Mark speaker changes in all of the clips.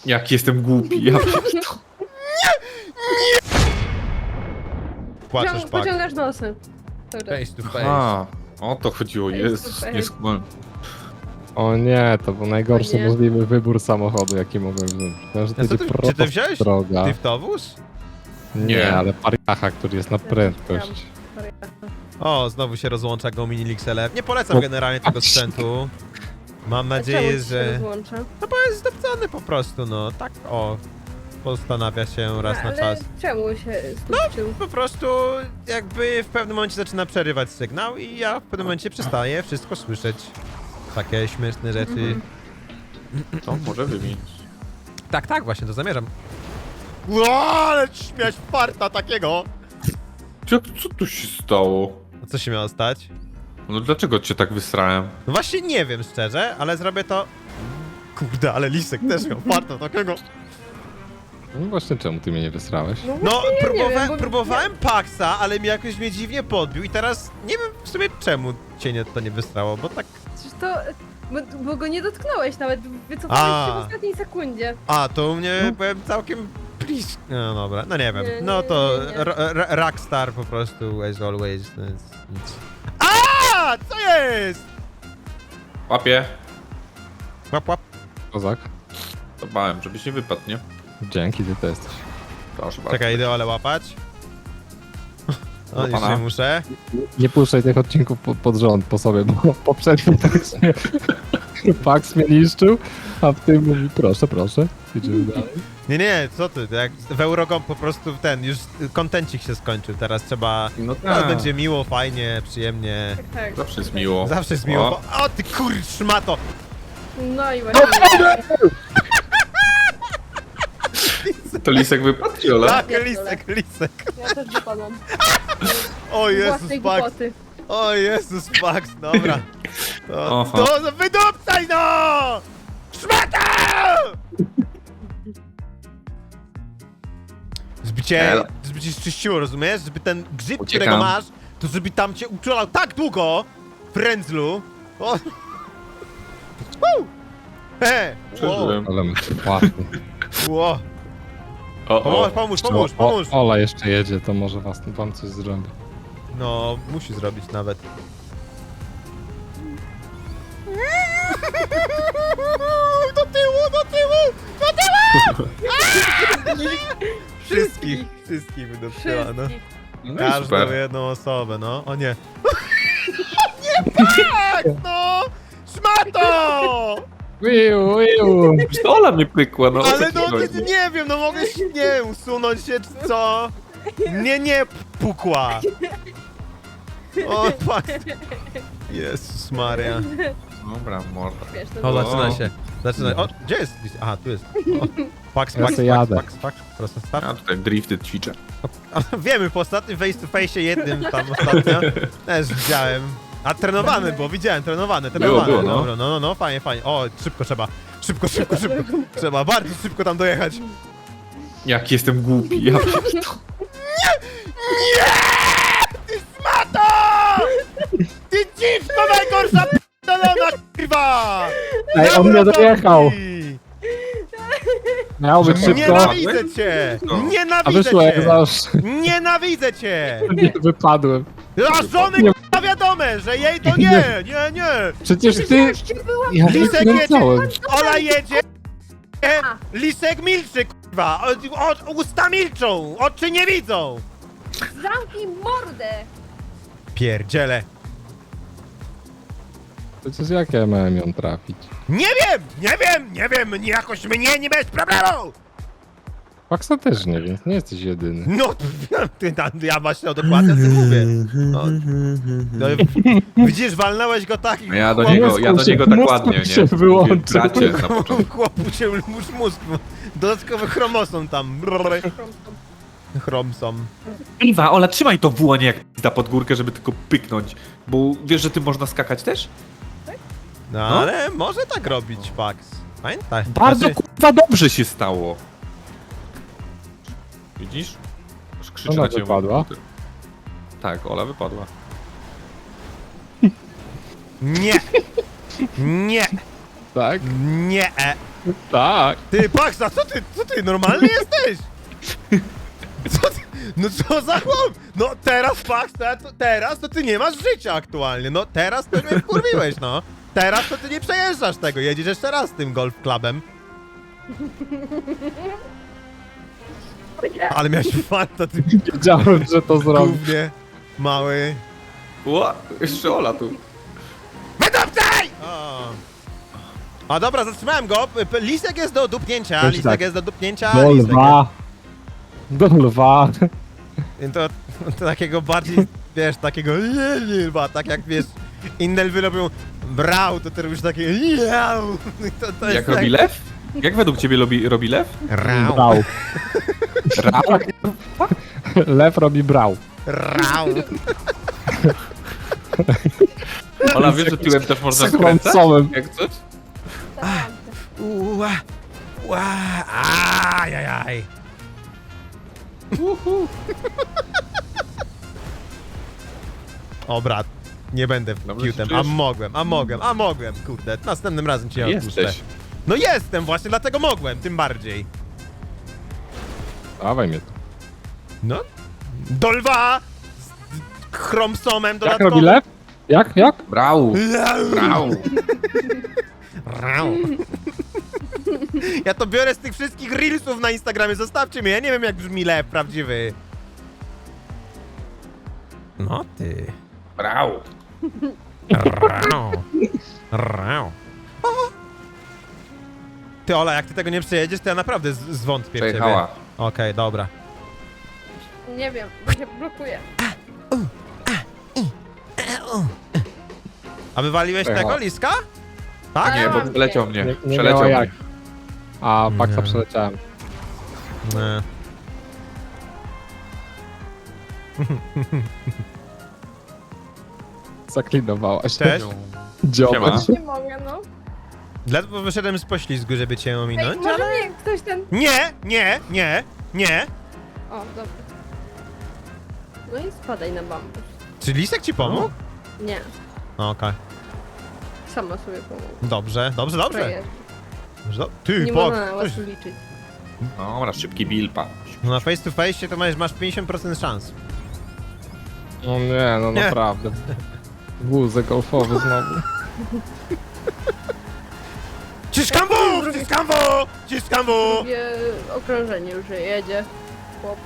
Speaker 1: Jak jestem głupi, ja pierdolę.
Speaker 2: Płaczesz, Pak.
Speaker 3: Pociągasz nosem. Dobra.
Speaker 2: Face to face.
Speaker 1: A, o to chodziło,
Speaker 3: Face
Speaker 1: jest,
Speaker 3: to face.
Speaker 1: nie skumałem.
Speaker 4: O nie, to był najgorszy
Speaker 3: O nie.
Speaker 4: możliwy wybór samochodu, jaki mogłem wziąć. Myślałem, że to
Speaker 2: Ja, co
Speaker 4: będzie
Speaker 2: ty, czy ty wziąłeś
Speaker 4: droga.
Speaker 2: driftowóz?
Speaker 4: Nie, ale pariacha, który jest na prędkość.
Speaker 2: O, znowu się rozłącza go mini XLR. Nie polecam generalnie tego sprzętu. Mam nadzieję, że... No bo jest zdobcony po prostu, no. Tak, o. Postanawia się raz na czas.
Speaker 3: Czemu się skurczył?
Speaker 2: Po prostu jakby w pewnym momencie zaczyna przerywać sygnał i ja w pewnym momencie przestaję wszystko słyszeć. Takie śmieszne rzeczy.
Speaker 1: To może wymienić.
Speaker 2: Tak, tak, właśnie to zamierzam. Ło, ale śmiać farta takiego!
Speaker 1: Co tu się stało?
Speaker 2: A co się miało stać?
Speaker 1: No dlaczego cię tak wysrałem?
Speaker 2: No właśnie nie wiem szczerze, ale zrobię to... Kurde, ale Lisek też miał farta takiego.
Speaker 4: No właśnie, czemu ty mnie nie wysrałeś?
Speaker 2: No,
Speaker 3: właśnie ja nie wiem, bo-
Speaker 2: próbowałem Paxa, ale mi jakoś mnie dziwnie podbił i teraz nie wiem w sumie czemu cię to nie wystrało, bo tak...
Speaker 3: Przecież to... Bo go nie dotknąłeś nawet, wycofałeś się w ostatniej sekundzie.
Speaker 2: A, to u mnie byłem całkiem blisko. No dobra, no nie wiem.
Speaker 3: Nie,
Speaker 2: No
Speaker 3: nie,
Speaker 2: to
Speaker 3: nie, nie.
Speaker 2: Rockstar po prostu, as always. To jest nic. A, co jest?
Speaker 1: Łapie.
Speaker 2: Łap, łap.
Speaker 4: Kozak?
Speaker 1: To bałem, żebyś nie wypadł, nie?
Speaker 4: Dzięki, ty to jesteś.
Speaker 1: Proszę bardzo.
Speaker 2: Czekaj, idę ale łapać. O, już
Speaker 1: pana.
Speaker 2: nie muszę.
Speaker 4: Nie puszczaj tych odcinków pod rząd po sobie, bo poprzednio tak się Pax mnie niszczył, a w tym mówi proszę, proszę, idziemy dalej.
Speaker 2: Nie, nie, co ty, jak w Eurogom po prostu już kontencik się skończył, teraz trzeba...
Speaker 1: No
Speaker 2: Teraz
Speaker 1: tak.
Speaker 2: będzie miło, fajnie, przyjemnie.
Speaker 3: Tak, tak.
Speaker 1: Zawsze jest miło.
Speaker 2: Zawsze jest miło.
Speaker 1: O.
Speaker 2: O ty szmato!
Speaker 3: No i właśnie.
Speaker 1: To lisek wypadł, czy Ola?
Speaker 2: Tak,
Speaker 3: pierdolę.
Speaker 2: lisek.
Speaker 3: Ja też wypadam.
Speaker 2: O Jezus,
Speaker 3: Własnej
Speaker 2: Pax.
Speaker 3: głupoty.
Speaker 2: O Jezus, Pax, dobra.
Speaker 1: Aha.
Speaker 2: To wydupcaj no! Szmata!
Speaker 1: Elo.
Speaker 2: Żeby cię czyściło, rozumiesz? Żeby ten grzyb,
Speaker 1: Uciekam.
Speaker 2: którego masz, to żeby tam cię uczulał tak długo, frędzlu. O. He!
Speaker 1: Przeżyłem.
Speaker 4: Ale my płatny.
Speaker 2: Ło.
Speaker 1: O,
Speaker 2: Pomóż,
Speaker 1: o.
Speaker 2: pomóż, pomóż!
Speaker 4: Ola jeszcze jedzie, to może wam coś zrobi.
Speaker 2: No, musi zrobić nawet. Do tyłu, do tyłu! Do tyłu! Wszystkich wydupcyła, no.
Speaker 3: Wszystkich.
Speaker 1: No i
Speaker 2: Każdą
Speaker 1: super.
Speaker 2: jedną osobę, no. O nie. Nie tak, no! Szmato!
Speaker 4: Wiu!
Speaker 1: Już to Ola mnie pykła, no. o co
Speaker 2: Ale
Speaker 1: ci
Speaker 2: no,
Speaker 1: chodzi?
Speaker 2: nie wiem, no mogę się, nie usunąć się, czy co? Nie, pukła. O, fuck. Jezus Maria.
Speaker 1: Dobra, morda.
Speaker 3: Wiesz, to
Speaker 2: O,
Speaker 3: było-
Speaker 2: zaczyna się. Zaczyna. O, gdzie jest? Aha, tu jest. O. Pax,
Speaker 4: Ja
Speaker 2: Pax,
Speaker 4: se
Speaker 2: Pax,
Speaker 4: jadę.
Speaker 2: Pax, Pax. Prosto start.
Speaker 1: Ja tutaj drifty ćwiczę.
Speaker 2: Wiemy, po ostatnim face to face jednym tam ostatnio też widziałem. A trenowany, bo widziałem, trenowany.
Speaker 1: Było, no.
Speaker 2: Dobra, no, fajnie, fajnie. O, szybko trzeba. Szybko. Trzeba bardzo szybko tam dojechać.
Speaker 1: Jak jestem głupi, ja pierdolę.
Speaker 2: Ty szmato! Ty dziwko najgorsza p***dolona, kurwa!
Speaker 4: Ej, on nie dojechał! Miał być szybko,
Speaker 2: Nienawidzę cię!
Speaker 1: No.
Speaker 4: a
Speaker 2: Nienawidzę
Speaker 4: wyszło jak
Speaker 2: cię!
Speaker 4: zawsze.
Speaker 2: Nienawidzę cię!
Speaker 4: Nie wypadłem.
Speaker 2: A żony
Speaker 4: Nie.
Speaker 2: k***a wiadome, że jej to nie!
Speaker 4: Przecież ty... Ja
Speaker 2: Lisek
Speaker 4: wykręcałem.
Speaker 2: Ola jedzie! Lisek milczy, kurwa! Usta milczą! Oczy nie widzą!
Speaker 3: Zamknij mordę!
Speaker 2: Pierdziele!
Speaker 4: Przecież jak ja miałem ją trafić?
Speaker 2: Nie wiem! Jakoś mnie nie bez problemu!
Speaker 4: Paxa też nie, więc nie jesteś jedyny.
Speaker 2: No, ja właśnie dokładnie o tym mówię. No, widzisz, walnąłeś go tak i
Speaker 1: Ja do
Speaker 2: chłopu-
Speaker 1: niego tak
Speaker 4: mózg
Speaker 1: ładnie,
Speaker 4: się
Speaker 1: nie?
Speaker 4: wyłączył.
Speaker 1: Bracie na początku.
Speaker 2: chłopu się już mózg, dodatkowy chromosom tam. Chromsom.
Speaker 1: Iwa, Ola, trzymaj to w łonie jak da pod górkę, żeby tylko pyknąć. Bo wiesz, że ty można skakać też?
Speaker 2: No,
Speaker 1: No.
Speaker 2: ale może tak robić, Pax. Pamiętaj.
Speaker 1: Bardzo
Speaker 2: Znaczy,
Speaker 1: kurwa dobrze się stało. Widzisz? Aż krzyczy
Speaker 4: Ona
Speaker 1: na ciebie.
Speaker 4: wypadła?
Speaker 1: Tak, Ola wypadła.
Speaker 2: Nie! Nie!
Speaker 4: Tak?
Speaker 2: Nie!
Speaker 4: Tak.
Speaker 2: Ty, Pax, a co ty, normalny jesteś? Co ty? No co za chłop? No teraz, Pax, teraz to ty nie masz życia aktualnie, no teraz to mnie wkurwiłeś, no. Teraz to ty nie przejeżdżasz tego, jedziesz jeszcze raz tym golf clubem. Ale miałeś farta, ty
Speaker 4: Wiedziałem, że to zrobi.
Speaker 2: głównie mały.
Speaker 1: Ła, jeszcze Ola tu.
Speaker 2: Wydupcaj! A dobra, zatrzymałem go. Lisek jest do dupnięcia,
Speaker 4: Znaczy
Speaker 2: lisek
Speaker 4: tak.
Speaker 2: jest do dupnięcia.
Speaker 4: Do
Speaker 2: lisek
Speaker 4: lwa. Do lwa.
Speaker 2: jest- To takiego bardziej, wiesz, takiego lwa, tak jak wiesz, inne lwy robią brał, to ty robisz takie miau. To jest
Speaker 1: Jak robi lew? Jak według ciebie robi lew?
Speaker 2: Rau,
Speaker 4: Brał.
Speaker 1: Rał.
Speaker 4: Lew robi brał.
Speaker 2: rau.
Speaker 1: Ola, wiesz, że tyłem też można
Speaker 4: Z
Speaker 1: skręcać?
Speaker 4: chłopcowym.
Speaker 1: Jak coś?
Speaker 3: Tak.
Speaker 2: Ua, ua, ajajaj. O brat, nie będę
Speaker 1: Dobrze się
Speaker 2: kiutem,
Speaker 1: czujesz?
Speaker 2: a mogłem, kurde, następnym razem cię odpuszczę.
Speaker 1: Jesteś.
Speaker 2: No jestem właśnie, dlatego mogłem, tym bardziej.
Speaker 4: Dawaj mnie tu.
Speaker 2: No, do lwa z chromsomem
Speaker 4: Jak
Speaker 2: dodatkowym.
Speaker 4: robi lew? Jak?
Speaker 1: Brał. Brał.
Speaker 2: Rau. Ja to biorę z tych wszystkich reelsów na Instagramie, zostawcie mnie, ja nie wiem jak brzmi lew prawdziwy. No ty.
Speaker 1: Brał.
Speaker 2: Rau. Rau. Ty Ola, jak ty tego nie przejedziesz, to ja naprawdę zwątpię w ciebie.
Speaker 1: Przejechała.
Speaker 2: Okej, dobra.
Speaker 3: Nie wiem, bo się blokuje.
Speaker 2: A wywaliłeś
Speaker 4: Przejechała.
Speaker 2: tego liska? Tak?
Speaker 1: Nie, bo
Speaker 3: mam
Speaker 1: przeleciał mnie.
Speaker 4: Nie
Speaker 1: Przeleciał
Speaker 4: miała
Speaker 1: mnie.
Speaker 4: jak. A, Paxa
Speaker 2: Nie.
Speaker 4: przeleciałem.
Speaker 2: Nie.
Speaker 4: Zaklinowałaś.
Speaker 2: Cześć.
Speaker 4: Dziobę.
Speaker 1: Siema.
Speaker 3: Nie mogę, no.
Speaker 2: Dlatego wyszedłem z poślizgu, żeby cię
Speaker 3: Ej,
Speaker 2: ominąć,
Speaker 3: może
Speaker 2: ale...
Speaker 3: mnie ktoś ten...
Speaker 2: Nie.
Speaker 3: O, dobra. No i spadaj na bambus.
Speaker 2: Czy lisek ci pomógł?
Speaker 3: Nie,
Speaker 2: Okej.
Speaker 3: sama sobie pomogę.
Speaker 2: Dobrze. Ty,
Speaker 3: Nie
Speaker 2: Pok,
Speaker 3: można na was liczyć.
Speaker 1: Dobra, szybki bilpa.
Speaker 2: no na face to face to masz 50% szans.
Speaker 4: No nie, no
Speaker 2: Nie.
Speaker 4: naprawdę. Wózek golfowy znowu.
Speaker 2: Ciskam w!
Speaker 3: Drugie okrążenie już jedzie. Chłop.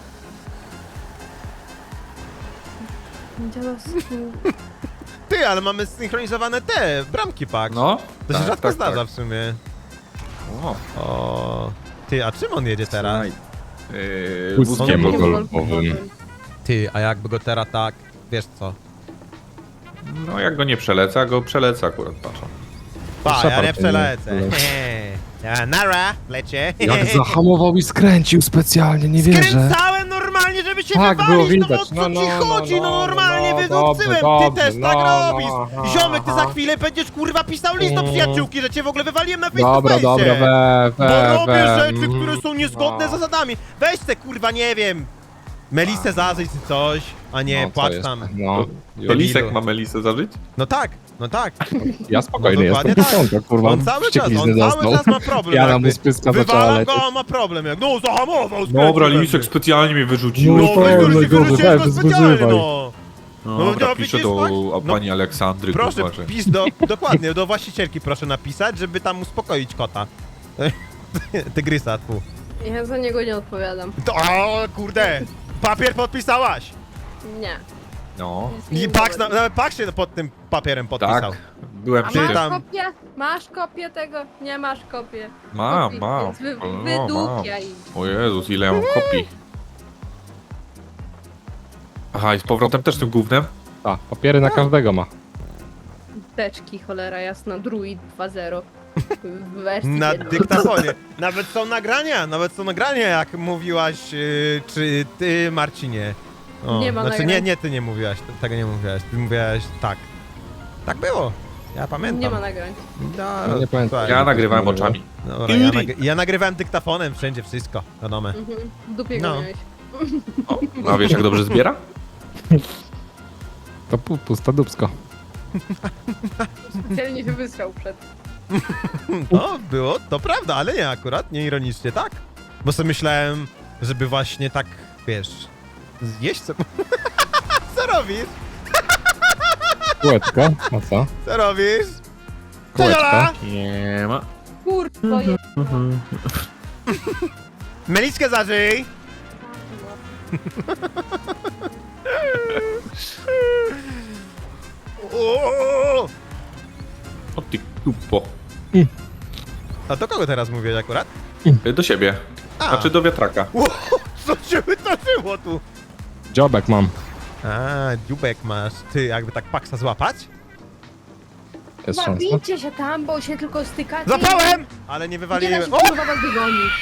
Speaker 3: Dziadowski.
Speaker 2: Ty, ale mamy synchronizowane te bramki, pak.
Speaker 1: No.
Speaker 2: To się
Speaker 1: tak,
Speaker 2: rzadko
Speaker 1: tak,
Speaker 2: zdarza
Speaker 1: tak.
Speaker 2: w sumie.
Speaker 1: O,
Speaker 2: O. Ty, a czym on jedzie teraz?
Speaker 4: Wózkiem
Speaker 2: on-
Speaker 4: golfowym.
Speaker 2: Ty, a jakby go teraz tak, wiesz co?
Speaker 1: No jak go nie przeleca, go przeleca akurat, patrzą.
Speaker 2: Pa, ja
Speaker 4: Szapar
Speaker 2: nie przelecę.
Speaker 4: powinien
Speaker 2: Ja nara, lecie.
Speaker 4: Jak zahamował i skręcił specjalnie, nie wierzę.
Speaker 2: Skręcałem normalnie, żeby się
Speaker 4: Tak, było
Speaker 2: wywalić, no
Speaker 4: widać.
Speaker 2: o co
Speaker 4: No,
Speaker 2: ci
Speaker 4: no,
Speaker 2: chodzi,
Speaker 4: no,
Speaker 2: no normalnie
Speaker 4: no,
Speaker 2: wydupcyłem,
Speaker 4: dobrze,
Speaker 2: ty też
Speaker 4: dobrze,
Speaker 2: tak
Speaker 4: no,
Speaker 2: robisz.
Speaker 4: no, aha,
Speaker 2: Ziomek, ty za
Speaker 4: aha.
Speaker 2: chwilę będziesz kurwa pisał list do
Speaker 4: Mm.
Speaker 2: przyjaciółki, że cię w ogóle wywaliłem na face
Speaker 4: Dobra,
Speaker 2: to
Speaker 4: dobra,
Speaker 2: face. Bo robię rzeczy,
Speaker 4: mm,
Speaker 2: które są niezgodne z
Speaker 4: no.
Speaker 2: zasadami. Weź te kurwa, nie wiem, Melisę zażyć czy coś, a nie
Speaker 4: No, co
Speaker 2: płacz
Speaker 4: jest?
Speaker 2: tam.
Speaker 4: No,
Speaker 1: To Lisek ma Melisę zażyć?
Speaker 2: No tak.
Speaker 4: ja spokojny
Speaker 2: No,
Speaker 4: jestem,
Speaker 2: dokładnie
Speaker 4: piątka, kurwa,
Speaker 2: On cały
Speaker 4: wścieklizny
Speaker 2: czas
Speaker 4: dostał.
Speaker 2: ma problem.
Speaker 4: Ja na
Speaker 2: jakby.
Speaker 4: mu spyska zaczęła
Speaker 2: Wywalam
Speaker 4: lecieć.
Speaker 2: go, a ma problem. Jak, no zahamował,
Speaker 1: Dobra,
Speaker 2: skręcił
Speaker 1: Lisek
Speaker 2: we mnie.
Speaker 1: specjalnie mnie wyrzucił.
Speaker 2: No,
Speaker 4: No,
Speaker 2: wyrzucił
Speaker 4: gorzej,
Speaker 2: wyrzuciłem
Speaker 4: weź,
Speaker 2: go specjalnie,
Speaker 4: wyzywaj.
Speaker 2: no.
Speaker 1: Dobra,
Speaker 2: no,
Speaker 1: piszę
Speaker 2: widzisz,
Speaker 1: do
Speaker 2: no.
Speaker 1: pani Aleksandry,
Speaker 2: Proszę,
Speaker 1: kurwa, że...
Speaker 2: pisz dokładnie, do właścicielki proszę napisać, żeby tam uspokoić kota. Tygrysa, tu.
Speaker 3: Ja za niego nie odpowiadam.
Speaker 2: To, o, kurde, papier podpisałaś.
Speaker 3: Nie.
Speaker 1: No,
Speaker 3: Nic mi
Speaker 2: I
Speaker 3: nie
Speaker 2: Pax,
Speaker 3: mówi.
Speaker 2: nawet Pax się pod tym papierem podpisał.
Speaker 1: tak. Byłem
Speaker 3: A
Speaker 1: przy
Speaker 2: ty
Speaker 3: masz
Speaker 1: tym.
Speaker 2: tam-
Speaker 3: kopię? Masz kopię tego? Nie masz kopię.
Speaker 1: Mam,
Speaker 3: Kopię,
Speaker 1: mam.
Speaker 3: więc
Speaker 1: No,
Speaker 3: Wydupiaj.
Speaker 1: O Jezus, ile ja mam kopii. Aha, i z powrotem też tym gównem?
Speaker 4: A, papiery na każdego ma.
Speaker 3: Teczki, cholera jasna, Druid 2.0. W wersji
Speaker 2: Na
Speaker 3: jednej.
Speaker 2: dyktafonie. Nawet są nagrania, jak mówiłaś, czy ty, Marcinie. O,
Speaker 3: Nie ma
Speaker 2: znaczy,
Speaker 3: nagrań.
Speaker 2: nie, ty nie mówiłaś, tego nie mówiłaś. Ty mówiłaś tak. Tak było. Ja pamiętam.
Speaker 3: Nie ma nagrań.
Speaker 2: No,
Speaker 4: Nie pamiętam.
Speaker 2: słuchaj,
Speaker 1: Ja nagrywałem oczami.
Speaker 2: Dobra, ja nagrywałem dyktafonem wszędzie, wszystko, wiadomo.
Speaker 3: Mhm. W dupie go
Speaker 2: No.
Speaker 3: miałeś.
Speaker 1: O, a wiesz jak dobrze zbiera?
Speaker 4: To pusta dupsko.
Speaker 3: Specjalnie się wysrał przed.
Speaker 2: No, było, to prawda, ale nie akurat, nie ironicznie, tak? Bo sobie myślałem, żeby właśnie tak, wiesz, zjeść co... Co robisz?
Speaker 4: Kółeczko, a co?
Speaker 2: Co robisz?
Speaker 4: Kółeczko.
Speaker 2: Jola!
Speaker 1: Nie ma.
Speaker 3: Kurwa, jest.
Speaker 2: Meliczkę zażyj! O!
Speaker 1: O ty kupo.
Speaker 2: A do kogo teraz mówię akurat?
Speaker 1: Do siebie.
Speaker 2: A.
Speaker 1: Znaczy do wiatraka.
Speaker 2: Ło, co się wydarzyło tu?
Speaker 4: Dziobek mam.
Speaker 2: A, dziubek masz. Ty, jakby tak paksa złapać?
Speaker 4: Jest szansa.
Speaker 3: Zabijcie się tam, bo się tylko stykacie.
Speaker 2: Złapałem! Ale nie
Speaker 3: Nie da
Speaker 2: wywaliłem.
Speaker 3: się
Speaker 2: O!
Speaker 3: kurwa was wygonić.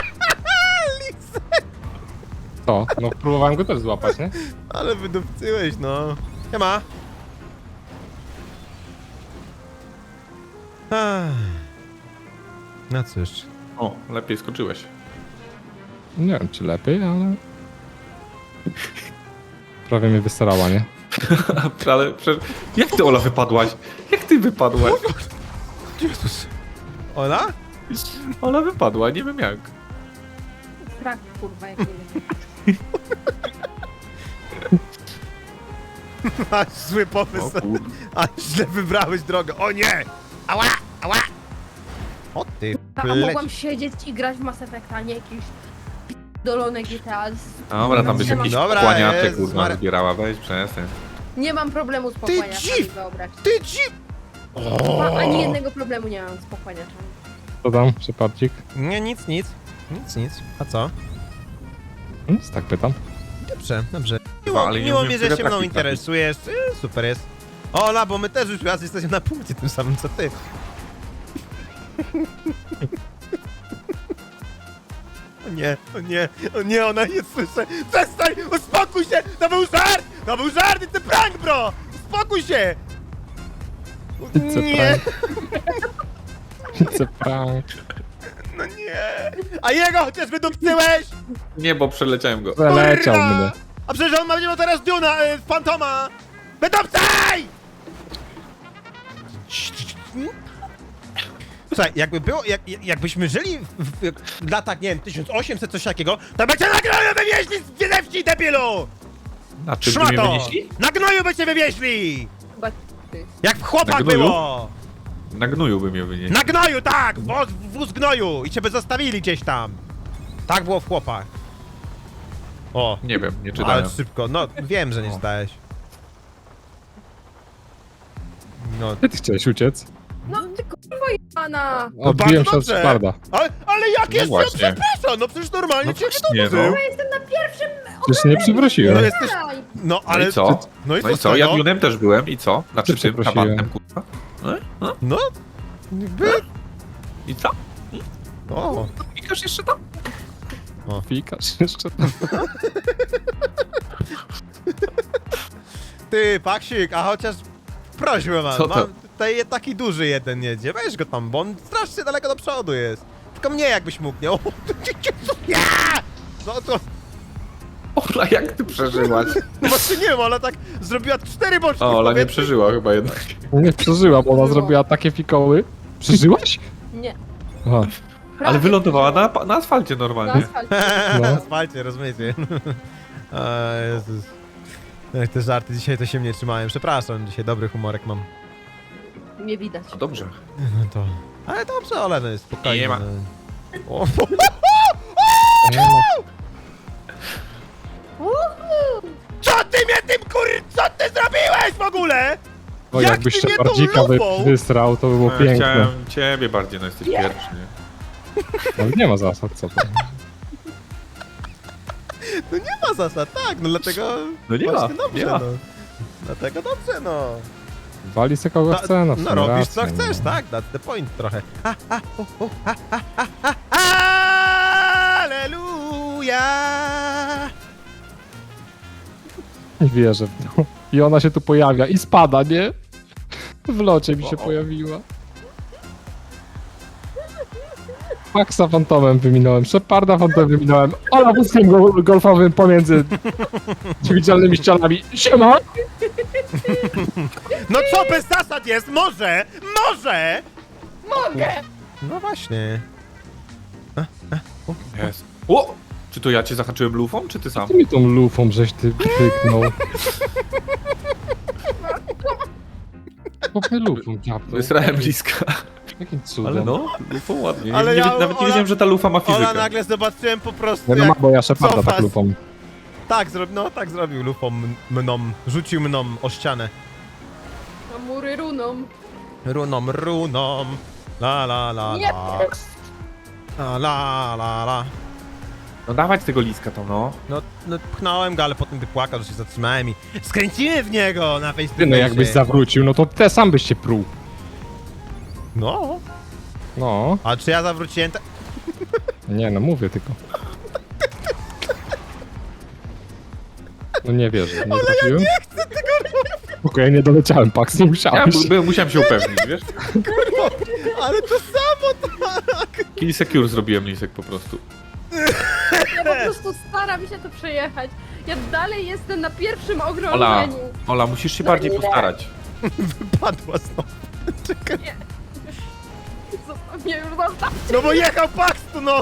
Speaker 4: To, no próbowałem go też złapać, nie?
Speaker 2: Ale wydupcyłeś, no. Nie ma. No cóż.
Speaker 1: O, lepiej skoczyłeś.
Speaker 4: Nie wiem, czy lepiej, ale... Prawie mnie wystarała, nie?
Speaker 1: Ale przecież... Jak ty, Ola, wypadłaś? Jak ty wypadłaś?
Speaker 2: Jezus. Ola?
Speaker 1: Ola wypadła, nie wiem jak.
Speaker 3: Strach, kurwa, jak nie wiem.
Speaker 2: Masz zły pomysł.
Speaker 1: O kur...
Speaker 2: A źle wybrałeś drogę. O nie! Ała! Ała! O ty
Speaker 3: A
Speaker 2: pleć.
Speaker 3: mogłam siedzieć i grać w Mass Effect, a nie jakieś dolone GTA.
Speaker 1: Dobra, tam byś jakiś
Speaker 2: Dobra,
Speaker 1: kłaniaczek,
Speaker 2: Jezus
Speaker 1: kurwa,
Speaker 2: Maria.
Speaker 1: zbierała. Weź, przestań.
Speaker 3: Nie mam problemu z pochłaniaczami,
Speaker 2: dziw!
Speaker 3: wyobraź.
Speaker 2: Ty dzi...
Speaker 3: Ani jednego problemu nie mam z pochłaniaczami.
Speaker 4: Co tam, Shepardzik?
Speaker 2: Nie, nic. A co?
Speaker 4: Nic, tak pytam.
Speaker 2: Dobrze, dobrze.
Speaker 1: Chyba, ale nie
Speaker 2: Miło
Speaker 1: umiem
Speaker 2: mi, że się
Speaker 1: wiatraki
Speaker 2: mną
Speaker 1: trafić.
Speaker 2: interesujesz. Super jest. Ola, bo my też już raz jesteśmy na punkcie tym samym co ty. O nie, o nie, o nie, ona nie słyszę. Przestań, uspokój się! To był żart! To był żart, it's a prank, bro! Uspokój się!
Speaker 4: It's a
Speaker 2: Nie,
Speaker 4: It's a prank.
Speaker 2: no nie. A jego chociaż wydupcyłeś!
Speaker 1: Nie, bo przeleciałem go.
Speaker 4: Przeleciał
Speaker 2: Kurwa!
Speaker 4: mnie.
Speaker 2: A przecież on będzie miał teraz Duna, Fantoma! Wydupcaj! Słuchaj, jakby było, jakbyśmy żyli w latach, nie wiem, 1800, coś takiego, to by cię na gnoju wywieźli z Wiedewści, debilu!
Speaker 1: Na czym by mnie
Speaker 2: Szmato!
Speaker 1: wynieśli?
Speaker 2: Na gnoju by cię wywieźli!
Speaker 3: Chyba ty.
Speaker 2: Jak w chłopak
Speaker 1: Na gnoju?
Speaker 2: było!
Speaker 1: Na gnoju by mnie wynieśli.
Speaker 2: Na gnoju, tak! Wóz gnoju! I cię by zostawili gdzieś tam. Tak było w chłopach. O,
Speaker 1: Nie wiem, nie
Speaker 2: ale
Speaker 1: czytałem.
Speaker 2: szybko, no wiem, że nie czytałeś. No,
Speaker 4: Gdzie ty chciałeś uciec?
Speaker 3: No ty kurwa jebana!
Speaker 4: Odbiłem
Speaker 2: bardzo
Speaker 4: się od
Speaker 2: dobrze.
Speaker 4: Sheparda.
Speaker 2: ale jak
Speaker 1: No
Speaker 2: jest,
Speaker 1: właśnie.
Speaker 2: przepraszam, no przecież normalnie
Speaker 1: No
Speaker 2: cię
Speaker 1: właśnie,
Speaker 2: wydobył.
Speaker 1: no.
Speaker 3: Ja jestem na pierwszym
Speaker 4: Przecież nie
Speaker 2: No
Speaker 4: przywróciłem.
Speaker 2: jesteś,
Speaker 3: Daj.
Speaker 2: no
Speaker 1: No
Speaker 2: ale...
Speaker 1: i co?
Speaker 2: No i
Speaker 1: No i
Speaker 2: co
Speaker 1: co?
Speaker 2: z
Speaker 1: Ja
Speaker 2: tego?
Speaker 1: Dune'em też byłem i co? Znaczy
Speaker 4: Ty
Speaker 1: tym
Speaker 4: przeprosiłem.
Speaker 1: kabantem, kurwa. No?
Speaker 2: No, jakby...
Speaker 1: I co?
Speaker 2: O,
Speaker 1: Klikasz jeszcze tam?
Speaker 4: Fikasz jeszcze tam.
Speaker 2: ty, Paksik, a chociaż prośbę mam,
Speaker 1: Co to?
Speaker 2: mam tutaj taki duży jeden jedzie, weź go tam, bo on strasznie daleko do przodu jest. Tylko mnie jakbyś mógł, nie? O, ja! No to,
Speaker 1: Ola, jak ty przeżyłaś?
Speaker 2: no właśnie nie wiem, ona tak zrobiła 4 boczki
Speaker 1: O,
Speaker 2: w
Speaker 1: Ola nie
Speaker 2: powietrzu.
Speaker 1: przeżyła chyba jednak.
Speaker 4: Nie przeżyła, bo ona zrobiła takie fikoły. Przeżyłaś?
Speaker 3: Nie.
Speaker 4: Aha.
Speaker 1: Ale
Speaker 3: Prawie
Speaker 1: wylądowała na asfalcie
Speaker 3: na
Speaker 1: normalnie.
Speaker 3: asfalcie.
Speaker 4: No.
Speaker 2: Na asfalcie, rozumiecie? A, Jezus. Ech, te żarty dzisiaj to się mnie trzymałem. Przepraszam, dzisiaj dobry humorek mam.
Speaker 3: Nie widać.
Speaker 1: No dobrze.
Speaker 2: No to... Ale dobrze, ale no jest spokojnie.
Speaker 1: Nie ma.
Speaker 2: no. O,
Speaker 4: Nie ma.
Speaker 3: Uhu.
Speaker 2: co ty mnie tym co ty zrobiłeś w ogóle?
Speaker 4: O,
Speaker 2: Jak
Speaker 4: jakbyś
Speaker 2: ty mnie tą
Speaker 4: Shepardzika
Speaker 2: lupą?
Speaker 4: wysrał, to by było
Speaker 1: No, ja
Speaker 4: piękne.
Speaker 1: chciałem ciebie bardziej, no jesteś pierwszy, nie?
Speaker 4: Ale nie ma zasad, co to?
Speaker 2: No nie ma zasad, tak, no dlatego...
Speaker 1: No nie ma,
Speaker 2: właśnie dobrze,
Speaker 1: nie ma.
Speaker 2: no. Dlatego dobrze, no.
Speaker 4: Wali se kogo chce, no w
Speaker 2: No
Speaker 4: sumie
Speaker 2: robisz
Speaker 4: racja,
Speaker 2: co chcesz,
Speaker 4: no.
Speaker 2: tak, that's the point trochę. Aleluja!
Speaker 4: Nie wierzę w to. I ona się tu pojawia i spada, nie? W locie mi się
Speaker 1: O.
Speaker 4: pojawiła. Maxa fantomem wyminąłem, Sheparda fantomem wyminąłem, Ola wózkiem golfowym pomiędzy niewidzialnymi ścianami. Siema!
Speaker 2: No co bez zasad jest? Może! Może!
Speaker 3: mogę!
Speaker 2: No właśnie.
Speaker 1: Jest. O! Czy to ja cię zahaczyłem lufą, czy ty sam?
Speaker 4: Ty mi tą lufą żeś ty pyknął. Popy lufą dziabnął.
Speaker 1: Wysrałem bliska.
Speaker 4: Jakim cudem.
Speaker 1: Ale no, lufą ładnie.
Speaker 2: Ale
Speaker 1: nie,
Speaker 2: ja-
Speaker 1: nawet nie
Speaker 2: Ola-
Speaker 1: wiedziałem, że ta lufa ma
Speaker 2: Ola
Speaker 1: fizykę.
Speaker 2: nagle zobaczyłem po prostu
Speaker 4: No, no
Speaker 2: jak...
Speaker 4: ma, bo ja Sheparda
Speaker 2: cofas.
Speaker 4: tak lufą.
Speaker 2: Tak, tak zrobił lufą mną. Rzucił mną o ścianę.
Speaker 3: A mury runą.
Speaker 2: Runą. La la la
Speaker 3: Nie,
Speaker 2: la. La la.
Speaker 1: No dawać tego liska to no.
Speaker 2: No pchnąłem go, ale potem wypłakał, że się zatrzymałem i skręciłem w niego na
Speaker 4: Ty,
Speaker 2: Facebooku.
Speaker 4: no jakbyś zawrócił, no to te sam byś się pruł.
Speaker 2: No,
Speaker 4: No,
Speaker 2: a czy ja zawróciłem?
Speaker 4: nie no, mówię tylko. No nie wierzę, nie trafiłem. Okej, nie doleciałem, Pax, nie
Speaker 1: Ja
Speaker 4: musiałeś.
Speaker 1: musiałem się upewnić, wiesz?
Speaker 2: Ale to samo
Speaker 1: Kill secure zrobiłem lisek po prostu.
Speaker 3: Ja po prostu staram się to przejechać. Ja dalej jestem na pierwszym
Speaker 1: Ola,
Speaker 3: okrążeniu.
Speaker 1: Ola, musisz się bardziej postarać.
Speaker 2: padła znowu.
Speaker 3: Zostaw mnie już, zostaw!
Speaker 2: No bo jechał Pax tu, no!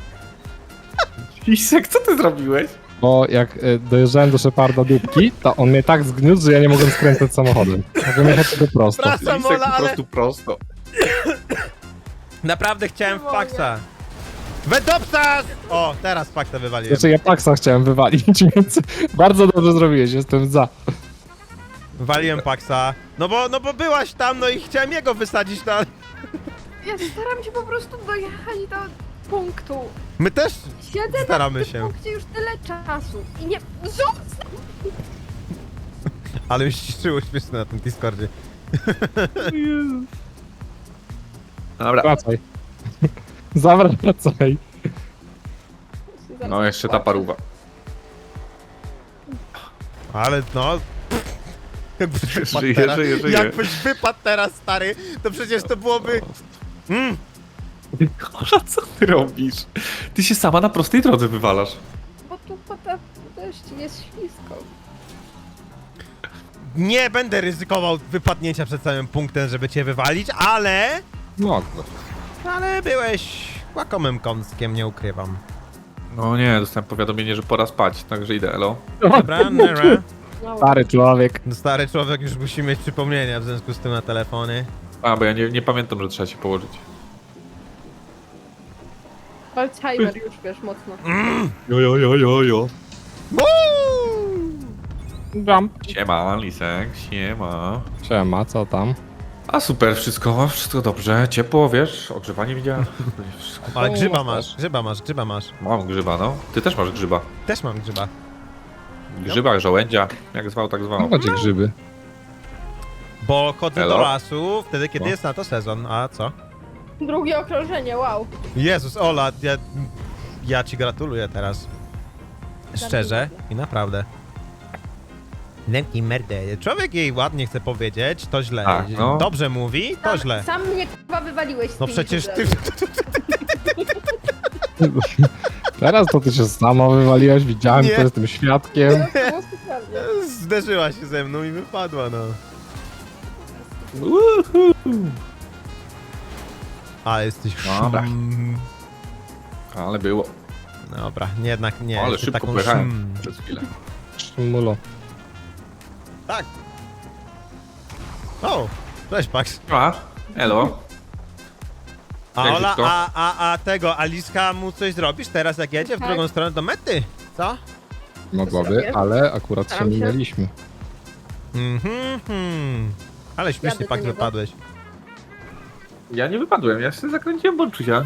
Speaker 1: Lisek, co ty zrobiłeś?
Speaker 4: Bo jak dojeżdżałem do Sheparda dupki, to on mnie tak zgniótł, że ja nie mogłem skręcać samochodem. Mogłem jechać tylko prosto.
Speaker 2: Przepraszam,
Speaker 1: Lisek
Speaker 2: Ola,
Speaker 1: po
Speaker 2: ale
Speaker 1: prostu prosto.
Speaker 2: naprawdę chciałem w
Speaker 3: Nie mogę.
Speaker 2: Paxa. Wedopsas! O, teraz Paxa wywaliłem.
Speaker 4: Znaczy ja Paxa chciałem wywalić, więc bardzo dobrze zrobiłeś, jestem za.
Speaker 2: Waliłem Paxa. No bo byłaś tam, no i chciałem jego wysadzić, no ale...
Speaker 3: Ja staram się po prostu dojechać do punktu.
Speaker 2: My też
Speaker 3: Siedzę
Speaker 2: staramy
Speaker 3: na tym
Speaker 2: się.
Speaker 3: punkcie już tyle czasu i nie... Zostaw!
Speaker 2: Ale już ściszyło śmieszne na tym Discordzie.
Speaker 1: Dobra.
Speaker 4: Wracaj. Zawracaj.
Speaker 1: No jeszcze ta paruwa.
Speaker 2: Ale no... Jakbyś wypadł
Speaker 1: Żyje,
Speaker 2: teraz,
Speaker 1: żyje.
Speaker 2: Jakbyś wypadł teraz, stary, to przecież to byłoby...
Speaker 1: Ola, co ty robisz? Ty się sama na prostej drodze wywalasz.
Speaker 3: Bo tu potem też jest ślisko.
Speaker 2: Nie będę ryzykował wypadnięcia przed samym punktem, żeby cię wywalić, ale...
Speaker 4: No,
Speaker 2: Ale byłeś łakomym kąskiem, nie ukrywam.
Speaker 1: No nie, dostałem powiadomienie, że pora spać, także idę, elo.
Speaker 2: Dobra, nara.
Speaker 3: No,
Speaker 4: stary człowiek.
Speaker 2: No stary człowiek już musi mieć przypomnienia w związku z tym na telefony.
Speaker 1: A, bo ja nie pamiętam, że trzeba się położyć.
Speaker 3: Alzheimer już, wiesz, mocno.
Speaker 1: Jo.
Speaker 4: Jump.
Speaker 1: Siema, lisek, siema.
Speaker 4: Siema, co tam?
Speaker 1: A super, wszystko dobrze, ciepło, wiesz, ogrzewanie widziałem. Wszystko.
Speaker 2: Ale
Speaker 4: O,
Speaker 2: grzyba
Speaker 4: masz.
Speaker 2: masz.
Speaker 1: Mam grzyba, no. Ty też masz grzyba.
Speaker 2: Też mam grzyba.
Speaker 1: Grzyba, żołędzia, jak zwał, tak
Speaker 4: No
Speaker 1: zwał.
Speaker 4: macie grzyby.
Speaker 2: Bo chodzę
Speaker 1: Elo?
Speaker 2: do lasu wtedy, kiedy
Speaker 4: No.
Speaker 2: jest na to sezon. A co?
Speaker 3: Drugie okrążenie, wow.
Speaker 2: Jezus, Ola, ja ci gratuluję teraz. Szczerze i naprawdę. Nemki merdę. Człowiek jej ładnie chce powiedzieć, to źle.
Speaker 1: Tak, no.
Speaker 2: Dobrze mówi, to źle.
Speaker 3: Sam mnie chyba wywaliłeś z
Speaker 2: No
Speaker 3: tymi
Speaker 2: przecież ty...
Speaker 4: Teraz to ty się sama wywaliłeś, widziałem,
Speaker 2: Nie.
Speaker 4: to jestem świadkiem.
Speaker 3: To było specjalnie.
Speaker 2: Zderzyła się ze mną i wypadła, no. Ale jesteś...
Speaker 1: Dobra.
Speaker 2: szum.
Speaker 1: Ale było.
Speaker 2: Dobra, jednak nie.
Speaker 1: Ale
Speaker 2: jesteś
Speaker 1: szybko
Speaker 2: taką
Speaker 1: pojechałem
Speaker 2: szum.
Speaker 1: przez chwilę.
Speaker 4: Szmulo.
Speaker 2: Tak. O, cześć Pax.
Speaker 1: A, elo.
Speaker 2: A
Speaker 1: Jak
Speaker 2: Ola,
Speaker 1: szybko?
Speaker 2: a tego, Aliska mu coś zrobisz teraz jak jedzie w
Speaker 3: Tak.
Speaker 2: drugą stronę do mety? Co?
Speaker 4: Mogłaby,
Speaker 3: zrobię.
Speaker 4: ale akurat się
Speaker 3: Staram się.
Speaker 4: minęliśmy.
Speaker 2: Ale śmiesznie
Speaker 3: Jadę
Speaker 2: Pax
Speaker 3: do niego.
Speaker 2: wypadłeś.
Speaker 1: Ja nie wypadłem, ja się zakręciłem Bonczusia.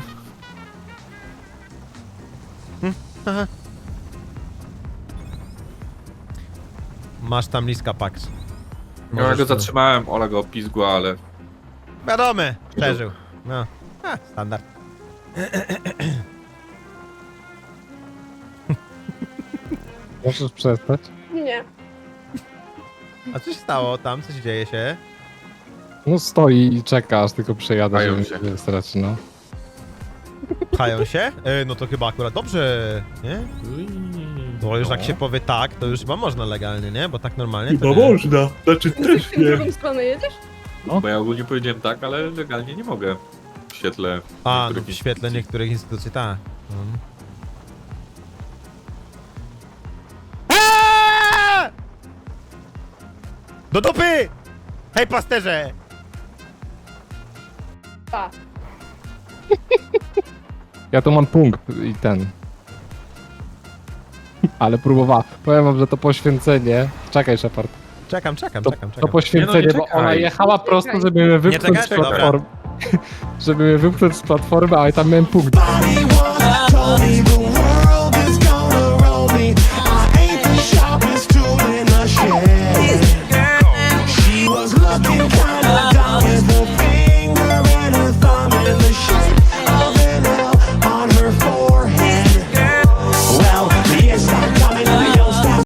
Speaker 2: Masz tam Liska Pax.
Speaker 1: No, ja
Speaker 2: Możesz
Speaker 1: go
Speaker 2: to-
Speaker 1: zatrzymałem, Ola go opizgła, ale...
Speaker 2: Wiadomo, przeżył. No, standard.
Speaker 4: Możesz przestać?
Speaker 3: Nie.
Speaker 2: A co się stało tam? Co się dzieje się?
Speaker 4: No stoi i czeka, aż tylko przejadę,
Speaker 1: Pchają
Speaker 4: żeby
Speaker 1: się.
Speaker 4: nie strać, no.
Speaker 2: Pchają się? No to chyba akurat dobrze, nie? Bo już jak się powie tak, to już chyba można legalnie, nie? Bo tak normalnie to nie.
Speaker 1: można, znaczy
Speaker 3: W drugą stronę jedziesz?
Speaker 1: Bo ja ogólnie powiedziałem tak, ale legalnie nie mogę. w świetle...
Speaker 2: A, no
Speaker 1: niektórych
Speaker 2: w świetle
Speaker 1: instytucji.
Speaker 2: niektórych instytucji, tak. Aaaa! Do dupy! Hej, pasterze!
Speaker 3: Pa.
Speaker 4: Ja tu mam punkt i ten. Ale próbowała. Powiem wam, że to poświęcenie... Czekaj, Shepard.
Speaker 2: Czekam.
Speaker 4: To poświęcenie,
Speaker 1: Nie,
Speaker 4: bo
Speaker 1: czekaj.
Speaker 4: ona jechała
Speaker 3: Nie
Speaker 4: prosto,
Speaker 3: czekaj.
Speaker 4: żeby mnie wypchnąć z
Speaker 2: czekać? Dobra.
Speaker 4: platformy. Żeby mnie wypchnąć z platformy, ale tam miałem punkt.
Speaker 5: Told me